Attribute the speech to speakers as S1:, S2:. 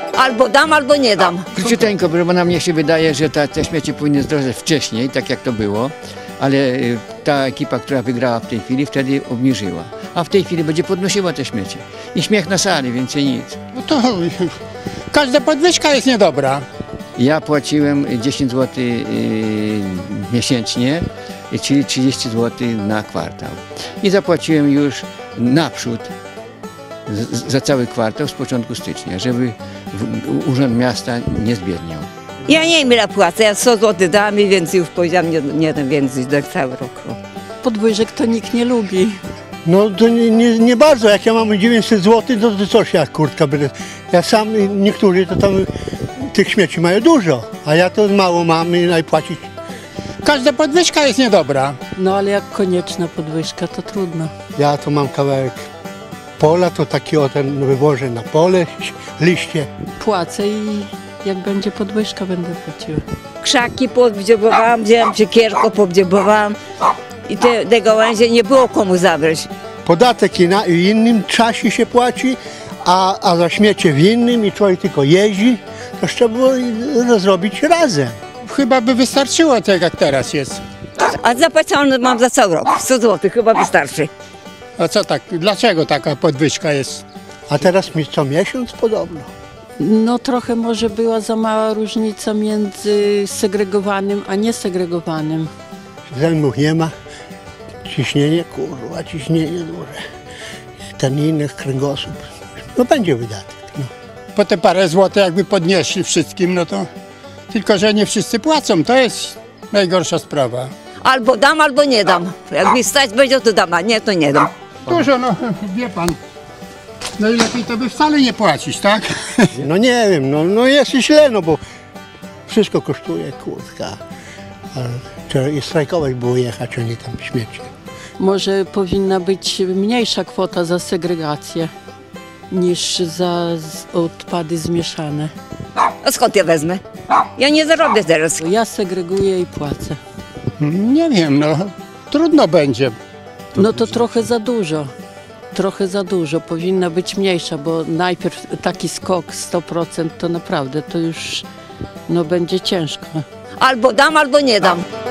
S1: Albo dam, albo nie dam.
S2: Króciuteńko, bo nam niech się wydaje, że te śmieci powinny zdrożeć wcześniej, tak jak to było, ale ta ekipa, która wygrała w tej chwili, wtedy obniżyła. A w tej chwili będzie podnosiła te śmieci. I śmiech na sali, więcej nic.
S3: No to każda podwyżka jest niedobra.
S2: Ja płaciłem 10 zł miesięcznie, czyli 30 zł na kwartał. I zapłaciłem już naprzód za cały kwartał z początku stycznia, żeby Urząd Miasta nie zbiedniał.
S1: Ja nie wiem ile płacę, ja 100 zł dam i więcej już powiedziałam, nie dam więcej do cały rok.
S4: Podwyżek to nikt nie lubi.
S5: No to nie bardzo, jak ja mam 900 zł, to coś jak kurtka będę. Ja sam, niektórzy to tam tych śmieci mają dużo, a ja to mało mam i najpłacić.
S3: Każda podwyżka jest niedobra.
S4: No ale jak konieczna podwyżka, to trudno.
S5: Ja to mam kawałek pola, to taki o ten wywożę na pole, liście.
S4: Płacę i jak będzie podwyżka, będę płaciła.
S1: Krzaki podwdziobowałam, wzięłam siekierko, podwdziobowałam i te gałęzie nie było komu zabrać.
S5: Podatek w innym czasie się płaci, a za śmiecie w innym i człowiek tylko jeździ, to trzeba było rozrobić razem.
S3: Chyba by wystarczyło tak jak teraz jest.
S1: A zapłacone mam za cały rok, 100 zł chyba wystarczy.
S3: A co tak, dlaczego taka podwyżka jest?
S5: A teraz mi co miesiąc podobno.
S4: No trochę może była za mała różnica między segregowanym a niesegregowanym.
S5: Zębów nie ma, ciśnienie, kurwa, ciśnienie duże. Ten inny kręgosłup, no będzie wydatek. No.
S3: Po te parę złotych jakby podnieśli wszystkim, no to tylko, że nie wszyscy płacą, to jest najgorsza sprawa.
S1: Albo dam, albo nie dam. Jak mi stać będzie, to dam, a nie, to nie dam.
S3: Dużo, no wie pan, najlepiej to by wcale nie płacić, tak?
S5: No nie wiem, no jest źle, no bo wszystko kosztuje, kurtka. Trzeba i strajkować było jechać, a nie tam śmieci.
S4: Może powinna być mniejsza kwota za segregację niż za odpady zmieszane.
S1: A skąd ja wezmę? Ja nie zarobię teraz.
S4: Ja segreguję i płacę.
S3: Nie wiem, no trudno będzie.
S4: No to trochę za dużo. Trochę za dużo. Powinna być mniejsza, bo najpierw taki skok 100% to naprawdę to już no, będzie ciężko.
S1: Albo dam, albo nie dam.